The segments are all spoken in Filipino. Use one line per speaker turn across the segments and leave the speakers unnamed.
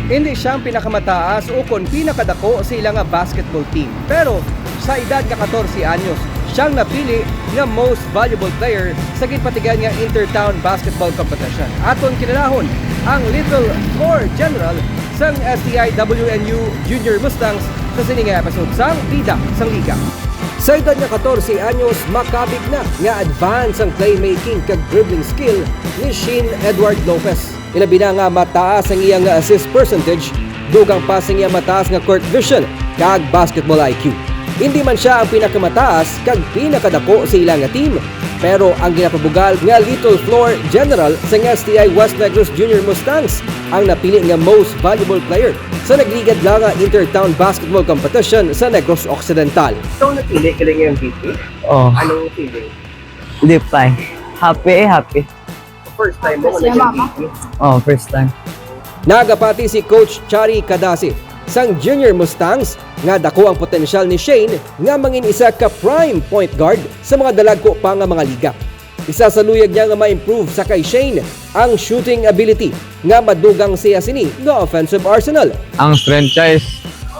Hindi siyang pinakamataas o kon pinakadako sa ilang basketball team. Pero sa edad nga 14 anyos, siyang napili nga most valuable player sa gitpatigan nga Intertown Basketball Competition. Aton kinalahon ang Little Floor General sang STI WNU Junior Mustangs sa sining episode sang Bida sang Liga. Sa edad nga 14 anyos, makabig na nga advance ang playmaking kag dribbling skill ni Shane Edward Lopez. Ilabi na nga mataas ang iyang assist percentage, dugang pa sa iyang mataas nga court vision kag basketball IQ. Hindi man siya ang pinakamataas kag pinakadako sa ilang team, pero ang ginapabugal nga Little Floor General sa STI West Negros Junior Mustangs ang napili nga most valuable player sa nagligad lang nga Intertown Basketball Competition sa Negros Occidental.
Ito napili ka lang yung MVP?
Oh,
Anong feeling?
di pa. Happy.
First time mo nag-MVP?
Oh, first time.
Nagapati si Coach Chari Kadasi sang Junior Mustangs nga dako ang potensyal ni Shane nga mangin isa ka prime point guard sa mga dalagko pa nga mga liga. Isa sa luyag niya nga ma-improve sa kay Shane ang shooting ability nga madugang siya sini nga offensive arsenal.
Ang strength niya is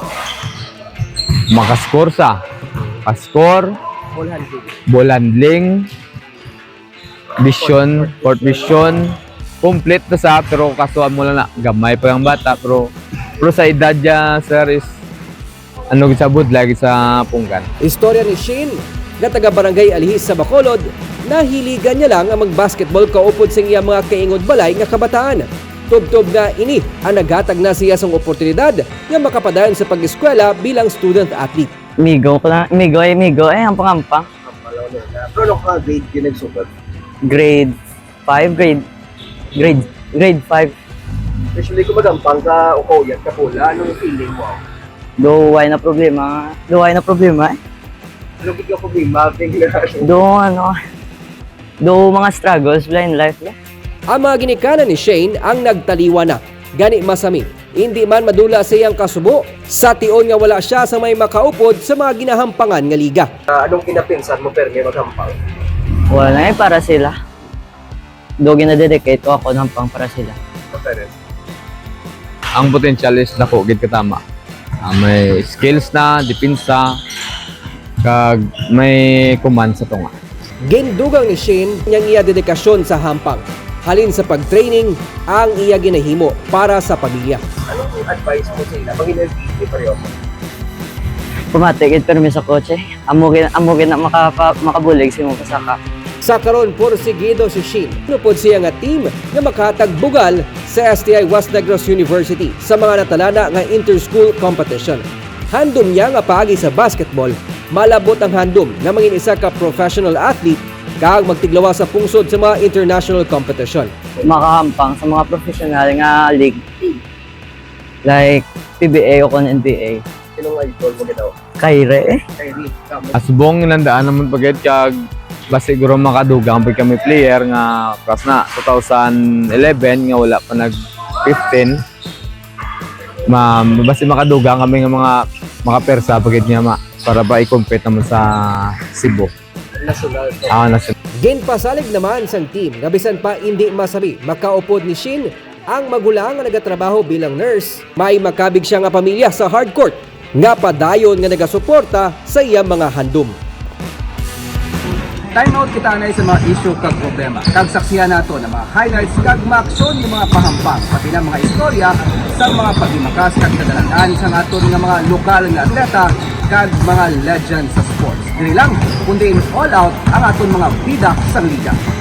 makascore sa pascore, ball handling, vision, court vision, complete na sa pero kasuan mo lang na gamay pa yung bata pero sa edad niya sir is ano gisabot lagi sa punggan.
Istorya ni Shane nga taga barangay Alihis sa Bacolod, nahiligan niya lang ang mag-basketball kaupod sa iyang mga kaingod balay nga kabataan. Tubtob nga ini ang naghatag na siya sang oportunidad nga makapadayon sa pag-eskwela bilang student athlete.
Migo ang pangampang.
Pero anong ka grade yun nagsukat?
Grade 5, grade 5.
Especially kung magampang ka o koyat ka pula, anong feeling mo?
Duway na problema eh.
Anong bigla problema?
Do mga struggles in life.
Ang mga ginikanan ni Shane ang nagtaliwa na. Gani masami, hindi man madula sa iyang kasubo, sa tion nga wala siya sa may makaupod sa mga ginahampangan nga liga.
Anong kinapinsan mo pero may magampang?
Wala na para sila. Do ginadedicate ko ako ng pang para sila.
Ang potential is dako gid katama. May skills na, depensa, kag may command sa tunga.
Gindugang ni Shane niyang iya dedikasyon sa hampang. Halin sa pag-training ang iya ginahimo para sa pamilya.
Anong advice mo sa ila? Mag-MVP pareho mo?
Pumatigid permi sa kotse. Amugin na makabulig sa imong kasaka.
Sa karon porsigido si Shane. Nupod siya nga team nga makahatag bugal sa STI West Negros University sa mga natalana nga inter-school competition. Handom niya nga paagi sa basketball, malabot ang handom nga mangin isa ka professional athlete kag magtiglawa sa pungsod sa mga international competition.
Makahampang sa mga professional nga league. Like PBA o kon NBA.
Sinong idol mo ginawa?
Kyrie.
Kyrie.
Asbong nandaan naman pagid kag basta siguro makadugang pag kami player nga pras na 2011 nga wala pa nag 15. Basta makadugang kami nga mga persa pagid niya para ba i-compete naman sa Cebu.
National.
National.
Ginpasalig naman sang team nga bisan pa hindi masabi makaupod ni Shane ang magulang nga nagatrabaho bilang nurse. May makabig siya nga pamilya sa hardcourt nga padayon nga nagasuporta sa iyang mga handom.
Time out kita na sa mga issue kag problema. Kag saksihan nato na mga highlights kag maaksyon yung mga pahampang pati na mga istorya sa mga paghimakas kag kadalangan sa aton nga mga lokal nga atleta kag mga legends sa sports. Dili lang kundi all out ang aton mga bida sa liga.